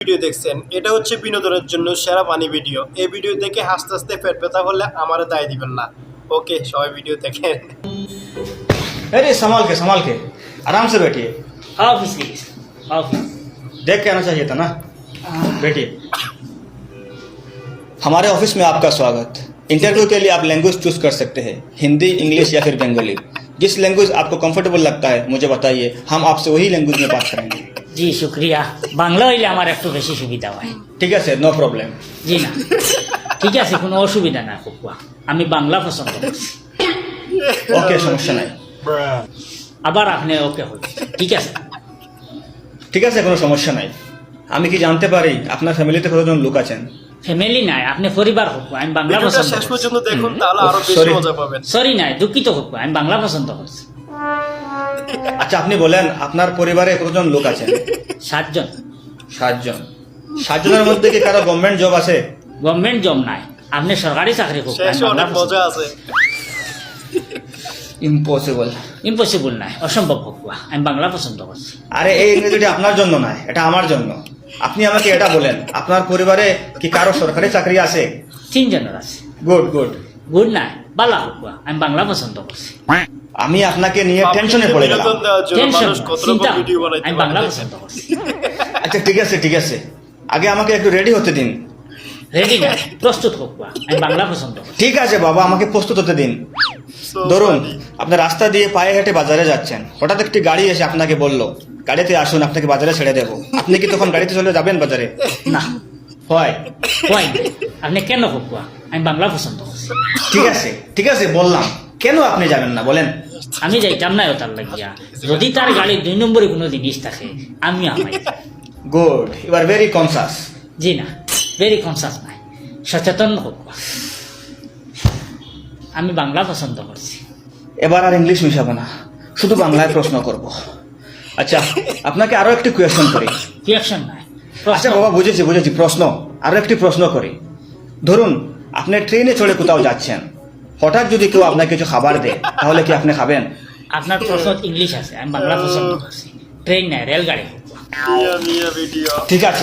Video দেখছেন, এটা হচ্ছে বিনোদনের জন্য সেরা পানি ভিডিও। এই ভিডিও দেখে হাসতে হাসতে পেট ব্যথা হলে আমারে দায় দিবেন না। ওকে, সবাই ভিডিও দেখেন। अरे संभाल के आराम से बैठिए। ऑफिस की ऑफिस देख के आना चाहिए था ना। बैठिए। हमारे ऑफिस में आपका स्वागत। इंटरव्यू के लिए आप लैंग्वेज चूज कर सकते हैं, हिंदी, इंग्लिश या फिर बंगाली। जिस लैंग्वेज आपको कंफर्टेबल लगता है मुझे बताइए, हम आपसे वही लैंग्वेज में बात करेंगे। জি শুক্রিয়া বাংলা হইলে আমার একটু বেশি সুবিধা হয় ठीक है सर, नो प्रॉब्लम। জি না ঠিক আছে কোনো অসুবিধা না কুকুয়া আমি বাংলা পছন্দ করছি ओके, समस्या नहीं। আবার আপনি ওকে হল ঠিক আছে কোনো সমস্যা নাই। আমি কি জানতে পারি আপনার ফ্যামিলিতে কতজন লোক আছেন? ফ্যামিলি নাই আপনি পরিবার হোক আমি বাংলা ভিডিওটা পছন্দ শেষ করছি পর্যন্ত দেখুন, তাহলে আরো বেশি Sorry. মজা পাবেন। সরি নাই দুঃখিত হোক আমি বাংলা পছন্দ করছি আচ্ছা, আপনি বলেন আপনার পরিবারে কতজন লোক আছেন? 7 জন 7 জন। 7 জনের মধ্যে কি কারো গভর্নমেন্ট জব আছে? গভর্নমেন্ট জব নাই আপনি সরকারি চাকরি হোক শেষে অনেক মজা আছে। ইম্পসিবল। ইম্পসিবল নাই অসম্ভব হোক আমি বাংলা পছন্দ করছি আরে এই ইংরেজিটা আপনার জন্য নয়, এটা আমার জন্য। আপনি আমাকে এটা বলেন, আপনার পরিবারে কি কারো সরকারি চাকরি আছে? 3 জনের আছে গুড গুড। গুড নাই বালা হোক আমি বাংলা পছন্দ করছি আমি আপনাকে নিয়ে টেনশনে পড়ে গেলাম। বিনোদন দেওয়ার জন্য টেনশন মানুষ কত চিন্তা রকম ভিডিও বানাইতে আমি বাংলা পারে। পছন্দ করছি আচ্ছা ঠিক আছে, আগে আমাকে একটু রেডি হতে দিন। রেডি না প্রস্তুত হোক আমি বাংলা পছন্দ করছি ঠিক আছে বাবা, আমাকে প্রস্তুত হতে দিন। So ধরুন funny. আপনি রাস্তা দিয়ে পায়ে হেঁটে বাজারে যাচ্ছেন, হঠাৎ একটি গাড়ি এসে আপনাকে বলল গাড়িতে আসুন, আপনাকে বাজারে ছেড়ে দেবো। আপনি কি তখন গাড়িতে চলে যাবেন বাজারে? না হয়। হয় না। আপনি কেন হোক আমি বাংলা পছন্দ করছি ঠিক আছে বললাম, কেন আপনি যাবেন না বলেন? আমি যাইতাম না তার লাগিয়া যদি তার গাড়ি 2 নম্বরে কোনো জিনিস থাকে আমি আমাই good, you are very conscious. জি না ভেরি কনসাস নাই সচেতন হোক আমি বাংলা পছন্দ করছি এবার আর ইংলিশ মিশাবো না, শুধু বাংলায় প্রশ্ন করব। আচ্ছা, আপনাকে আরো একটি কোয়েশ্চন করি। রিয়াকশন নাই আচ্ছা বাবা, বুঝেছি প্রশ্ন। আরো একটি প্রশ্ন করি। ধরুন আপনি ট্রেনে চড়ে কোথাও যাচ্ছেন, হঠাৎ যদি কেউ আপনাকে কিছু খাবার দেয়, তাহলে কি আপনি খাবেন? আপনার প্রশ্ন ইংলিশ আছে আমি বাংলা পছন্দ করছি ট্রেন নাই রেলগাড়ি হোক মিয়া ভিডিও।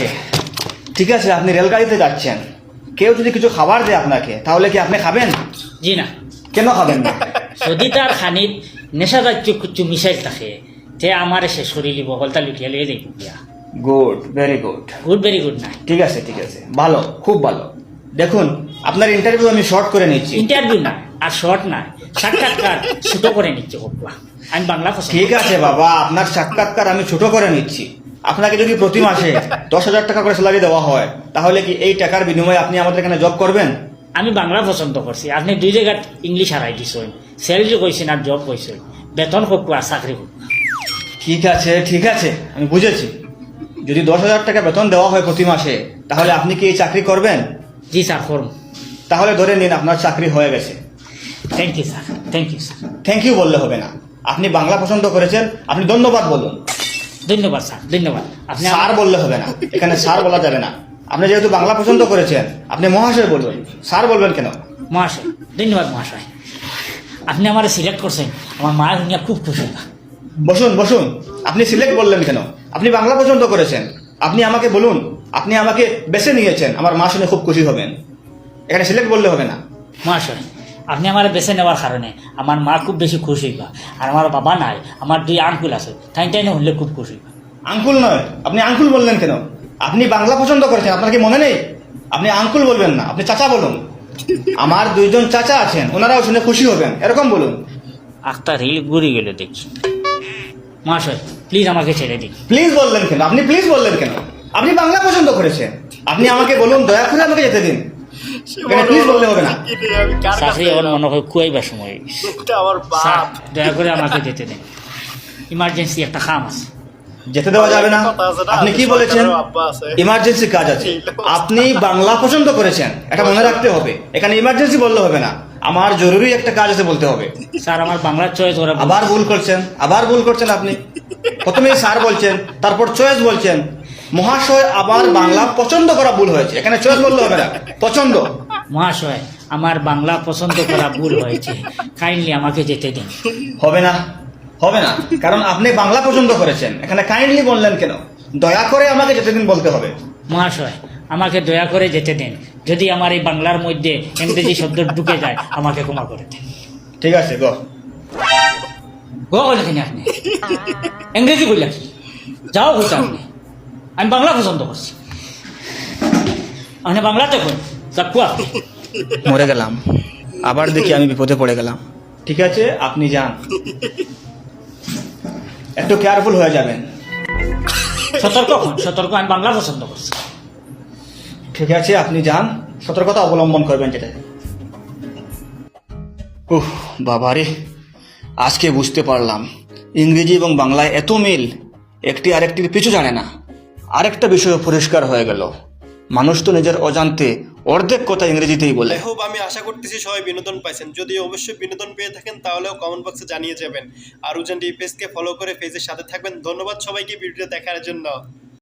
ঠিক আছে, আপনি রেলগাড়িতে যাচ্ছেন, কেউ যদি কিছু খাবার দেয় আপনাকে, তাহলে কি আপনি খাবেন? জি না কেন খাবেন না? যদি তার খানিত নেশাজাতীয় কিছু মিশাইল থাকে তে আমার সে শরীর বহলতা লুটিয়া লিয়ে যাই গিয়া good, very good. Good very good নাই ঠিক আছে, ভালো, খুব ভালো। দেখুন আপনার ইন্টারভিউ আমি শর্ট করে নিচ্ছি। ইন্টারভিউ না আর শর্ট নাই সাক্ষাৎকার ছোট করে নিচ্ছে হোকা আমি বাংলা পছন্দ ঠিক আছে বাবা, আপনার সাক্ষাৎকার আমি ছোট করে নিচ্ছি। আপনাকে যদি প্রতি মাসে 10,000 টাকা করে স্যালারি দেওয়া হয়, তাহলে কি এই টাকার বিনিময়ে আপনি আমাদের এখানে জব করবেন? আমি বাংলা পছন্দ করছি আপনি 2 জায়গায় ইংলিশ হারাই দিছেন স্যালারি কইছেন আর জব কইছেন বেতন হোক আর চাকরি হোক ঠিক আছে, আমি বুঝেছি। যদি 10,000 টাকা বেতন দেওয়া হয় প্রতি মাসে, তাহলে আপনি কি এই চাকরি করবেন? জি স্যার করুন তাহলে ধরে নিন আপনার চাকরি হয়ে গেছে। Thank you sir thank you বললে হবে না, আপনি বাংলা পছন্দ করেছেন, আপনি ধন্যবাদ বলুন। ধন্যবাদ স্যার ধন্যবাদ আপনি স্যার বললে হবে না, এখানে স্যার বলা যাবে না। আপনি যেহেতু বাংলা পছন্দ করেছেন, আপনি মহাশয় বলবেন, স্যার বলবেন কেন? মহাশয় ধন্যবাদ মহাশয় আপনি আমার সিলেক্ট করছেন আমার মা দুনিয়া খুব খুশি বসুন। আপনি সিলেক্ট বললেন কেন? আপনি বাংলা পছন্দ করেছেন, আপনি আমাকে বলুন, আপনি আমাকে বেছে নিয়েছেন, আমার মা শুনে খুব খুশি হবেন। এখানে সিলেক্ট বললে হবে না। মহাশয় আপনি আমার বেছে নেওয়ার কারণে আমার মা খুব বেশি খুশি হইবা আর আমার বাবা নাই আমার 2 আঙ্কুল আছে তাই না হলে খুব খুশি হইবা আঙ্কুল নয়, আপনি আঙ্কুল বললেন কেন? আপনি বাংলা পছন্দ করেছেন, আপনার কি মনে নেই? আপনি আঙ্কুল বলবেন না, আপনি চাচা বলুন। আমার 2 জন চাচা আছেন, ওনারাও শুনে খুশি হবেন, এরকম বলুন। একটা রিল ঘুরে গেল দেখি মহাশয় প্লিজ আমাকে ছেড়ে দিন প্লিজ বললেন কেন? আপনি প্লিজ বললেন কেন? আপনি বাংলা পছন্দ করেছেন, আপনি আমাকে বলুন, দয়া করে আমাকে যেতে দিন। এখানে প্লিজ বললে হবে না। আমি কার চাকরি কাছে আমার এলাম? মনে হয় খুয়াইবার সময় এটা আমার স্যার বাপ। দয়া করে আমাকে যেতে দিন ইমার্জেন্সি একটা কাম আছে যেতে দেওয়া যাবে না? আপনি কি বলেছেন? ইমার্জেন্সি কাজ আছে। আপনি বাংলা পছন্দ করেছেন, এটা মনে রাখতে হবে। এখানে ইমার্জেন্সি বললে হবে না, আমার জরুরি একটা কাজ আছে বলতে হবে। স্যার আমার বাংলা চয়েস ওরা আবার ভুল করছেন আপনি। প্রথমে স্যার বলছেন, তারপর চয়েস বলছেন। মহাশয়, আবার বাংলা পছন্দ করা ভুল হয়েছে, এখানে চয়েস বললে হবে না, পছন্দ। মহাশয় আমার বাংলা পছন্দ করা ভুল হয়েছে কাইন্ডলি আমাকে যেতে দিন হবে না, কারণ আপনি বাংলা পছন্দ করেছেন, এখানে কাইন্ডলি বললেন কেন? দয়া করে আমাকে যেতে দিন বলতে হবে। মহাশয় আমাকে দয়া করে যেতে দেন, যদি আমার এই বাংলার মধ্যে ইংরেজি শব্দ ঢুকে যায় আমাকে ক্ষমা করে দেন। ঠিক আছে গো। গো বলেছেন আপনি, ইংরেজি বললেন যাও হচ্ছে আপনি, আমি বাংলা পছন্দ করছি, আপনি বাংলাতে কোন চাকু আপনি। মরে গেলাম, আবার দেখি আমি বিপদে পড়ে গেলাম। ঠিক আছে আপনি যান, একটু কেয়ারফুল হয়ে যাবেন। সতর্ক হন, সতর্ক, আমি বাংলা পছন্দ করছি। ঠিক আছে আপনি যান, সতর্কতা অবলম্বন করবেন যেটা। উহ বাবারে, আজকে বুঝতে পারলাম ইংরেজি এবং বাংলায় এত মিল, একটি আরেকটির পিছু জানে না। আরেকটা বিষয় পরিষ্কার হয়ে গেল, মানুষ তো নিজের অজান্তে অর্ধেক কথা ইংরেজিতেই বলে। আই হোপ, আমি আশা করতেছি সবাই বিনোদন পাইছেন। যদি অবশ্যই বিনোদন পেয়ে থাকেন তাহলেও কমেন্ট বক্সে জানিয়ে যাবেন। আর উজান টিভি পেজকে ফলো করে পেজের সাথে থাকবেন। ধন্যবাদ সবাইকে ভিডিও দেখার জন্য।